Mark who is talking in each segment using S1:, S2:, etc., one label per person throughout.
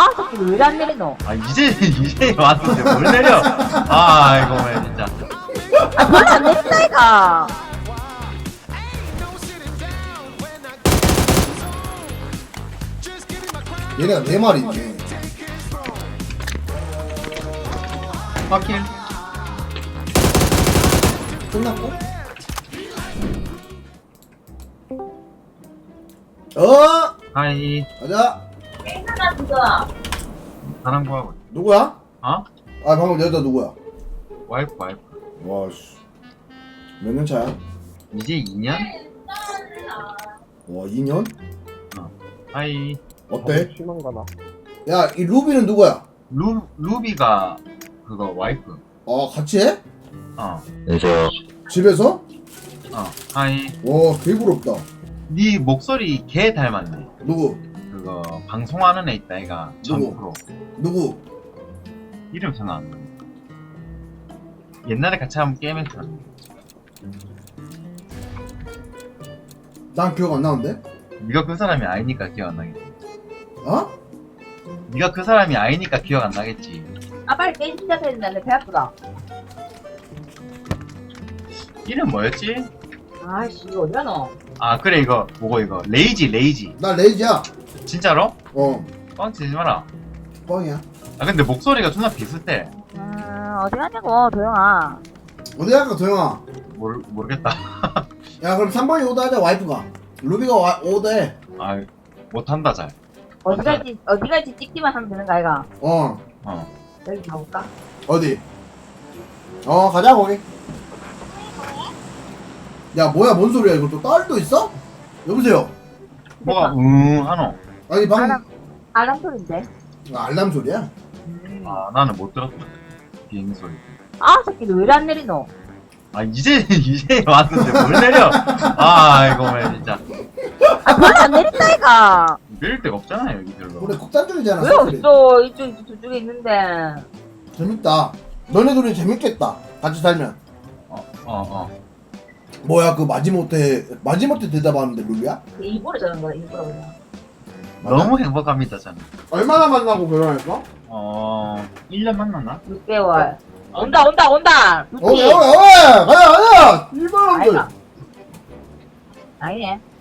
S1: 새끼 왜 안 내리노?
S2: 아 이제 왔는데 뭘 내려? 아 이거 왜 진짜.
S1: 아 별로 안 내린다 이가.
S3: 얘네가 4마리 있네.
S2: 확킬.
S3: 끝났고? 어!
S2: 하이.
S3: 가자.
S2: 사람 구하고.
S3: 누구야?
S2: 어?
S3: 아 방금 여자 누구야?
S2: 와이프.
S3: 와씨 몇 년 차야?
S2: 이제 2년?
S3: 와 2년?
S2: 하이.
S3: 어때?
S4: 심한가나.
S3: 야 이 루비는 누구야?
S2: 루비가 그거 와이프.
S3: 같이 해?
S5: 안녕하세요.
S3: 집에서?
S2: 하이.
S3: 와 개부럽다.
S2: 네 목소리 개 닮았네.
S3: 누구?
S2: 그거 방송하는 애 있다 애가 전
S3: 누구?
S2: 프로.
S3: 누구?
S2: 이름 생각 안 나. 옛날에 같이 한번 게임 했었는데.
S3: 난 기억 안 나는데?
S2: 네가 그 사람이 아니니까 기억 안 나겠지.
S3: 어?
S2: 네가 그 사람이 아니니까 기억 안 나겠지.
S1: 아 빨리 게임 시작해야 된다. 내 배 아프다.
S2: 이름 뭐였지?
S1: 아씨 이거 어디가노?
S2: 아 그래 이거 뭐고 이거 레이지.
S3: 나 레이지야.
S2: 진짜로?
S3: 어
S2: 뻥치지 마라.
S3: 뻥이야.
S2: 아 근데 목소리가 존나 비슷해.
S1: 어디 가냐고 도영아.
S3: 어디 갈까 도영아?
S2: 모르겠다.
S3: 야 그럼 3번이 오더하자. 와이프가 루비가 오더해.
S2: 아 못한다 잘.
S1: 어디 갈지 찍기만 하면 되는 거 아이가?
S3: 어
S1: 여기 가볼까?
S3: 어디? 가자 거기. 야 뭐야 뭔 소리야 이거 또 딸도 있어? 여보세요.
S2: 뭐가 하노?
S3: 아니 방금
S1: 알람 소리인데.
S3: 알람 소리야?
S2: 아 나는 못 들었다. 비행 소리.
S1: 아 새끼 왜 안 내리노?
S2: 아 이제 왔는데 뭘 내려? 아 이거 왜 진짜.
S1: 아 별로 안 내린다 이가.
S2: 내릴 데가 없잖아 여기 별로.
S3: 그래 국단적이잖아.
S1: 왜
S3: 사투리.
S1: 없어? 이쪽 저쪽에 있는데.
S3: 재밌다. 너네 둘이 재밌겠다. 같이 살면. 뭐야 그 마지못해 대답하는데 루비야?
S1: 일부러 저런 거야 일부러 그냥.
S2: 너무 행복합니다 저는.
S3: 얼마나 만나고 결혼했어?
S2: 1년 만났나?
S1: 6개월. 온다. 루피.
S3: 가자 일반놈들.
S1: 아이가. 아니네.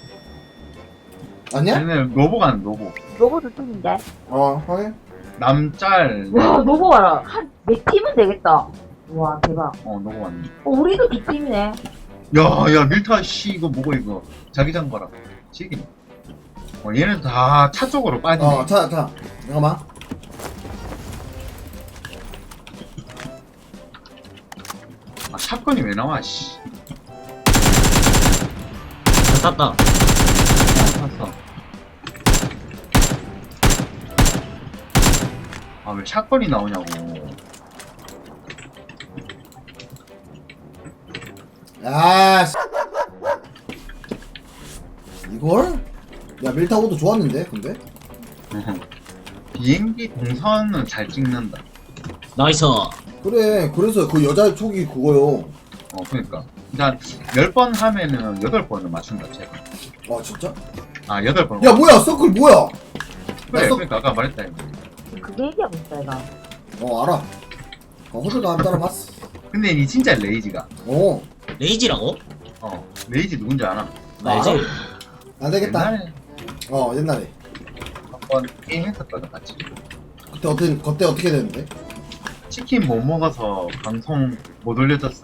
S3: 아니야?
S2: 얘는 노보가는 노보.
S1: 로봇 두 팀인데.
S3: 확인.
S2: 남짤.
S1: 와 로봇 봐라. 한 4팀은 되겠다. 와 대박.
S2: 노보 왔네.
S1: 우리도 2팀이네.
S2: 야 밀타 씨 이거 뭐고 이거 자기장 봐라. 지기네. 얘는 다 차 쪽으로 빠지네.
S3: 자 잠깐만.
S2: 아 샷건이 왜 나와 씨.
S5: 땄다.
S2: 봤어. 아 왜 샷건이 나오냐고.
S3: 야 이걸? 야 밀타고도 좋았는데 근데?
S2: 비행기 동선은 잘 찍는다.
S5: 나이스.
S3: 그래 그래서 그 여자 촉이 그거요.
S2: 그러니까. 그러니까 10번 하면은 8번을 맞춘다 제가.
S3: 진짜?
S2: 8번.
S3: 야 뭐야 서클 뭐야?
S2: 그래,
S3: 나
S2: 그러니까 아까 말했다 이거.
S1: 그게 얘기하고 있어 얘가.
S3: 알아. 호들도 안 따라봤어.
S2: 근데 니 진짜 레이지가.
S5: 레이지라고?
S2: 레이지 누군지 알아?
S5: 알지?
S3: 안 되겠다.
S2: 옛날에
S3: 옛날에.
S2: 한번 게임 했었거든 같이.
S3: 그때 어떻게 됐는데?
S2: 치킨 못 먹어서 방송 못 올려줬어.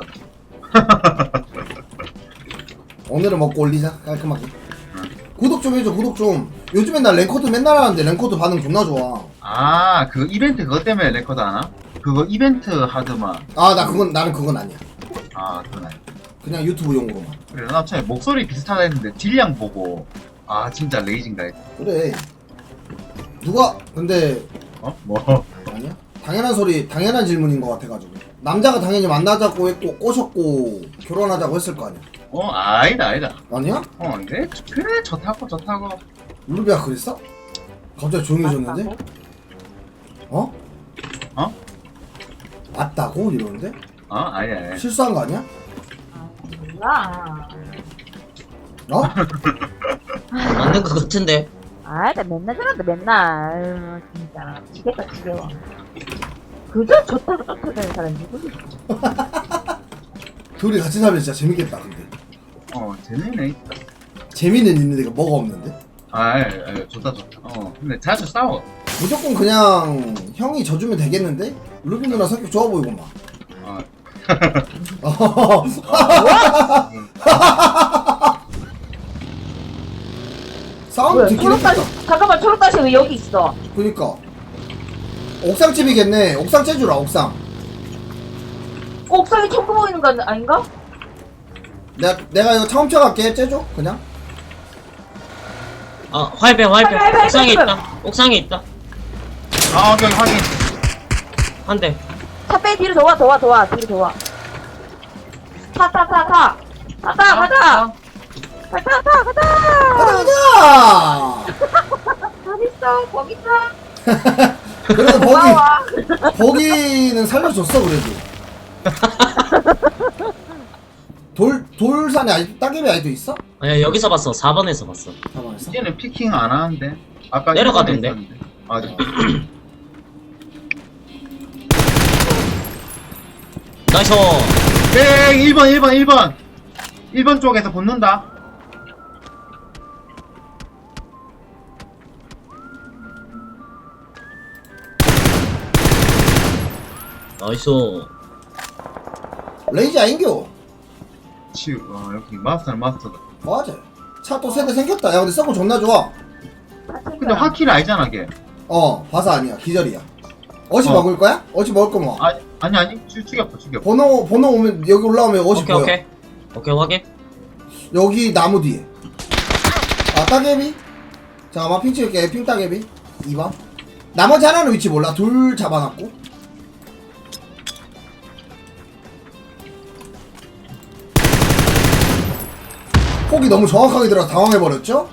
S3: 오늘은 먹고 올리자 깔끔하게. 구독 좀 해줘 구독 좀. 요즘엔 나 랭커드 맨날 하는데 랭커드 반응 존나 좋아.
S2: 그 이벤트 그것 때문에 레코드 하나? 그거 이벤트 하드만.
S3: 나는 그건 아니야.
S2: 그건 아니야.
S3: 그냥 유튜브용으로만.
S2: 그래 나 처음에 목소리 비슷하다 했는데 딜량 보고 진짜 레이진가 했어.
S3: 그래. 누가 근데
S2: 뭐?
S3: 아니야? 당연한 질문인 것 같아가지고. 남자가 당연히 만나자고 했고 꼬셨고 결혼하자고 했을 거 아니야.
S2: 아니다.
S3: 아니야?
S2: 네? 그래 좋다고.
S3: 루비야 그랬어? 갑자기 조용해졌는데? 어? 맞다고 이러는데?
S2: 아니야.
S3: 실수한 거 아니야?
S1: 뭐야?
S3: 어?
S5: 맞는 것 같은데.
S1: 아, 나 맨날 저런다, 맨날. 아유, 진짜. 지겠다, 지겨워. 그저 좋다고 쫓아다니는 사람 누구지?
S3: 둘이 같이 살면 진짜 재밌겠다 근데.
S2: 재밌네.
S3: 재미는 있는데 이거 뭐가 없는데?
S2: 좋다. 근데 자주 싸워.
S3: 무조건 그냥 형이 져주면 되겠는데? 루비 누나 성격 좋아 보이구만.
S2: 아,
S3: 사운드
S1: 뭐야,
S3: 듣긴
S1: 초록다시,
S3: 했겠다.
S1: 잠깐만, 초록다시 왜 여기 있어?
S3: 그니까 옥상집이겠네. 옥상 째주라 옥상.
S1: 옥상에 청구 보이는 거 아닌가?
S3: 내가 이거 처음 쳐갈게. 째줘 그냥.
S5: 화이병
S1: 화이병,
S5: 옥상에
S1: 화이병.
S5: 있다. 옥상에 있다.
S2: 오케이, 확인.
S5: 한 대.
S1: 차 빼, 뒤로 도와, 뒤로 도와. 타, 가자! 가자! 가자!
S3: 가자.
S1: 어딨어, 거기 있어.
S3: 그래도
S1: 고마워.
S3: 거기는 살려줬어 그래도. 돌산에 아직 따개비 아직도 있어?
S5: 아니야, 여기서 봤어. 4번에서 봤어.
S3: 가만있어.
S2: 이제는 피킹 안 하는데. 아까
S5: 내려가던데.
S2: 있었는데. 아, 네.
S5: 나이스.
S2: 1번 쪽에서 붙는다.
S5: 나이스.
S3: 레이지 아인겨.
S2: 여기 마스터는 마스터다.
S3: 맞아. 차 또 세대 생겼다. 야 근데 서브 존나 좋아.
S2: 근데 화키를 알잖아, 걔.
S3: 바사 아니야. 기절이야. 어시
S2: 어.
S3: 먹을 거야? 어시 먹을 거면 와.
S2: 아니. 죽였어.
S3: 번호 오면 여기 올라오면 어시
S5: 오케이,
S3: 보여.
S5: 오케이, 확인.
S3: 여기 나무 뒤에. 따개비? 잠깐만 핑 찍을게. 핑 따개비. 2번. 나머지 하나는 위치 몰라. 둘 잡아놨고. 폭이 너무 정확하게 들어가 당황해버렸죠?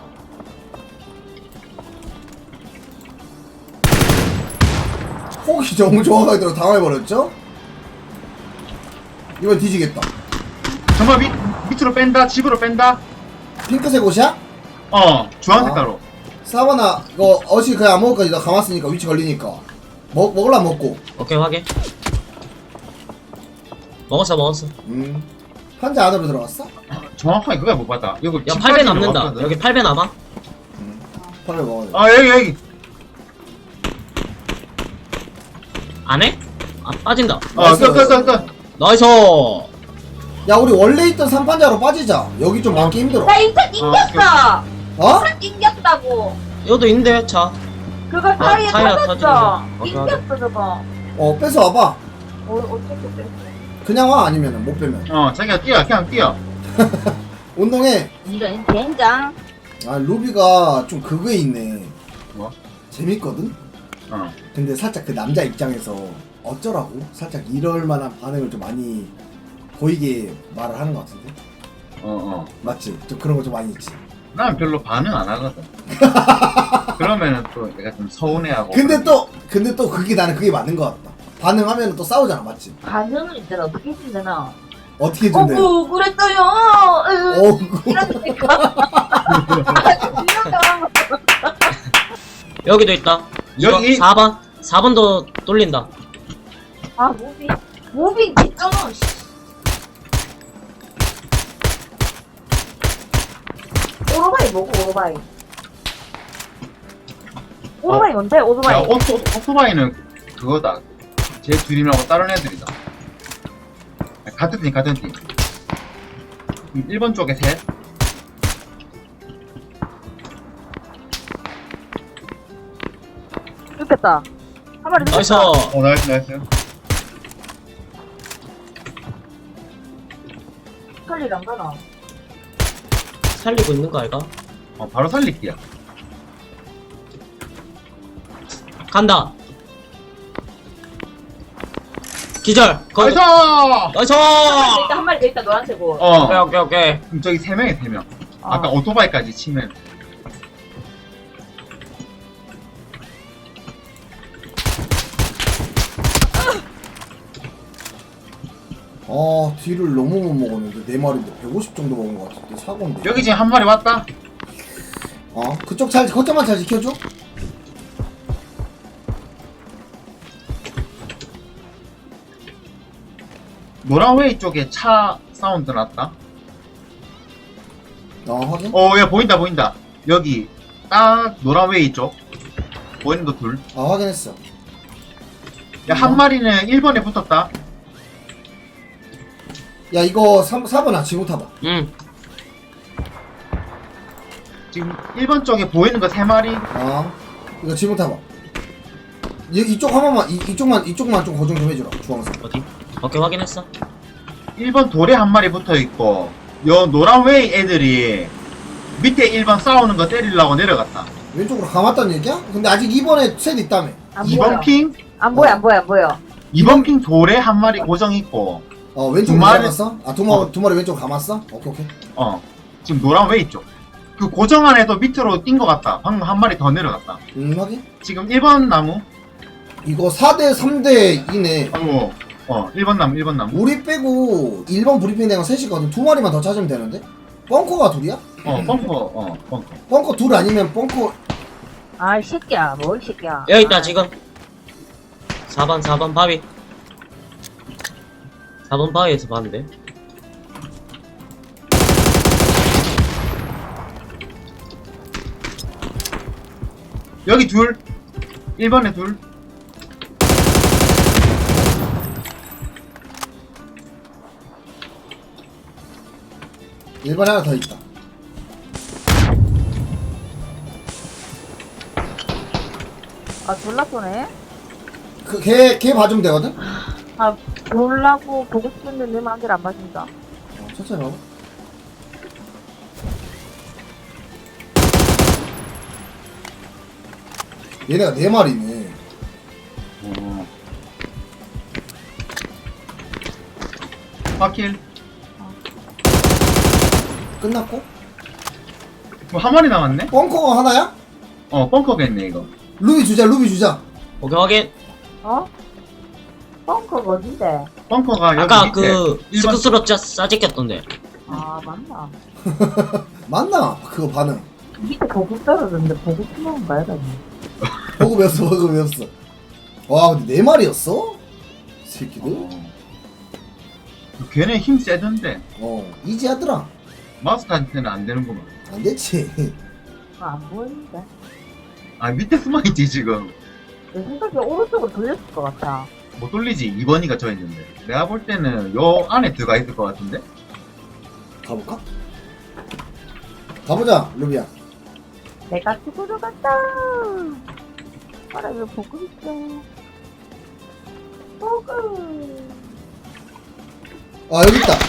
S3: 폭이 너무 정확하게 들어가 당황해버렸죠? 이번 뒤지겠다.
S2: 정말 밑으로 뺀다. 집으로 뺀다.
S3: 핑크색 옷이야?
S2: 주황
S3: 아.
S2: 색깔로.
S3: 사바나 이거 어시 그냥 안 먹을 거지. 나 감았으니까 위치 걸리니까 먹을라 먹고.
S5: 오케이, 확인. 먹었어.
S3: 판자 안으로 들어갔어?
S2: 정확하게 그거야 못 봤다. 여기
S5: 야,
S2: 집까지
S5: 8배 남는다.
S2: 들어갔거든.
S5: 여기 8배 남아.
S3: 판을 먹어야 돼.
S2: 여기.
S5: 안 해? 빠진다.
S2: 끝.
S5: 나이스.
S3: 야 우리 원래 있던 3판자로 빠지자. 여기 좀 많기 힘들어.
S1: 나 인터 낑겼어!
S3: 어?
S1: 차 낑겼다고!
S5: 여기도 있는데, 차.
S1: 그거 타이어
S5: 타이어
S1: 터졌어!
S5: 터지는 거.
S1: 낑겼어, 저거.
S3: 뺏어 와봐.
S1: 어떻게 뺐어?
S3: 그냥 와 아니면은 못 빼면.
S2: 자기가 뛰어. 그냥 뛰어.
S3: 운동해.
S1: 이런 된장.
S3: 아 루비가 좀 그거에 있네.
S2: 뭐?
S3: 재밌거든? 근데 살짝 그 남자 입장에서 어쩌라고? 살짝 이럴 만한 반응을 좀 많이 보이게 말을 하는 것 같은데? 맞지? 좀 그런 거 좀 많이 있지.
S2: 난 별로 반응 안 하거든. 그러면은 또 내가 좀 서운해하고.
S3: 근데 또 그게 나는 그게 맞는 것 같다. 반응하면 또 싸우잖아, 맞지?
S1: 반응을 있잖아. 어떻게 해준대나.
S3: 어떻게 해준대?
S1: 그랬어요.
S3: 어구.
S1: 이러니까.
S5: 여기도 있다.
S2: 여기?
S5: 4번도 뚫린다.
S1: 아, 무빙 개쩌노. 오토바이 뭐고, 오토바이? 오토바이 뭔데,
S2: 야,
S1: 오토바이?
S2: 오토바이는 그거다. 제 둘이라고 다른 애들이다. 같은 팀. 1번 쪽에 셋.
S1: 죽겠다. 한 마리
S5: 나이스.
S1: 죽겠다.
S2: 나이스.
S1: 살리를 안 가나?
S5: 살리고 있는 거 알까?
S2: 바로 살릴게요.
S5: 간다. 기절.
S2: 나이스!
S5: 나이스.
S1: 한 마리 더 있다, 노란색 옷.
S5: 오케이.
S2: 그럼 저기 3명에 3명. 아까 오토바이까지 치면.
S3: 뒤를 너무 못 먹었는데 4마리인데 150 정도 먹은 것 같은데 사고인데.
S2: 여기 지금 한 마리 왔다.
S3: 그쪽 거점만 잘 지켜줘.
S2: 노란웨이 쪽에 차 사운드 났다.
S3: 확인.
S2: 야, 보인다. 여기, 딱, 노란웨이 쪽. 보이는 거 둘.
S3: 확인했어.
S2: 야, 한 마리는 1번에 붙었다.
S3: 야, 이거 4번아, 지금 타봐.
S5: 응.
S2: 지금 1번 쪽에 보이는 거 3마리.
S3: 이거 지금 타봐. 이쪽 한 번만, 이쪽만 좀 고정 좀 해주라, 주황색.
S5: 어디? 오케이, 확인했어.
S2: 1번 돌에 한 마리 붙어 있고, 요 노란웨이 애들이 밑에 1번 싸우는 거 때리려고 내려갔다.
S3: 왼쪽으로 감았다는 얘기야? 근데 아직 2번에 셋 있다며.
S1: 안
S2: 2번
S1: 보여.
S2: 핑?
S1: 안 보여, 안 보여, 안 보여.
S2: 2번 핑 돌에 한 마리 고정 있고,
S3: 왼쪽으로
S2: 두 마리-
S3: 감았어? 두 마리 왼쪽으로 감았어? 오케이.
S2: 지금 노란웨이 쪽. 그 고정 안에도 밑으로 뛴 것 같다. 방금 한 마리 더 내려갔다.
S3: 확인.
S2: 지금 1번 나무.
S3: 이거 4대 3대 2네.
S2: 1번 나무.
S3: 우리 빼고 1번 브리핑 된거 셋이거든. 두 마리만 더 찾으면 되는데? 벙커가 둘이야?
S2: 벙커.
S3: 벙커 둘 아니면 벙커.
S1: 아, 이 새끼야. 뭐, 이 새끼야.
S5: 여기 있다, 지금. 4번 바위. 4번 바위에서 봤는데.
S2: 여기 둘. 1번에 둘.
S3: 일반에 하나 더 있다.
S1: 아, 졸라 쏘네.
S3: 걔 봐주면 되거든?
S1: 아, 졸라고 보고 싶은데 내 마음대로 안 봐준다.
S3: 천천히 봐봐. 얘네가 4마리네.
S2: 바킬.
S3: 끝났고?
S2: 뭐 한 마리 남았네?
S3: 벙커가 하나야?
S2: 벙커겠네, 이거.
S3: 루비 주자.
S5: 오케이, 확인.
S1: 벙커가 어딘데?
S2: 벙커가 여기
S5: 아까
S2: 밑에.
S5: 그,
S2: 1번
S5: 스크스로 싸지켰던데.
S1: 아, 맞나?
S3: 맞나? 그거 반응.
S1: 밑에 보급 떨어졌는데 보급 투명한 거야, 나
S3: 보고 배웠어. 와, 근데 4마리였어? 새끼들?
S2: 걔네 힘 세던데.
S3: 이지하더라.
S2: 마스터한테는 안 되는구만.
S3: 안 됐지.
S1: 안 보이는데.
S2: 아, 밑에 숨어있지, 지금.
S1: 내 생각에 오른쪽으로 돌렸을 것 같아.
S2: 못 돌리지. 2번이가 저 있는데. 내가 볼 때는 요 안에 들어가 있을 것 같은데?
S3: 가볼까? 가보자, 루비야.
S1: 내가 죽으러 간다. 알아, 왜 보급 있어? 보급.
S3: 여기 있다.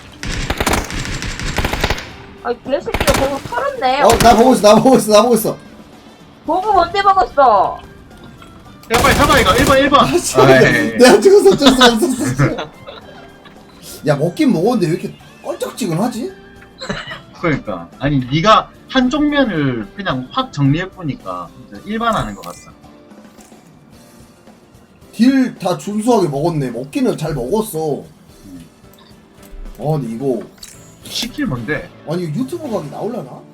S1: 아, 개새끼가 보급 털었네.
S3: 나 보고 있어.
S1: 보급 언제 먹었어?
S2: 야, 빨리 잡아, 이거. 1번.
S3: 내가 죽었어. 야, 먹긴 먹었는데 왜 이렇게 껄쩍지근하지?
S2: 그러니까. 아니, 네가 한쪽 면을 그냥 확 정리해보니까 일반하는 것 같다.
S3: 딜 다 준수하게 먹었네. 먹기는 잘 먹었어. 근데 이거
S2: 시킬 뭔데?
S3: 아니 유튜브 각이 나올라나?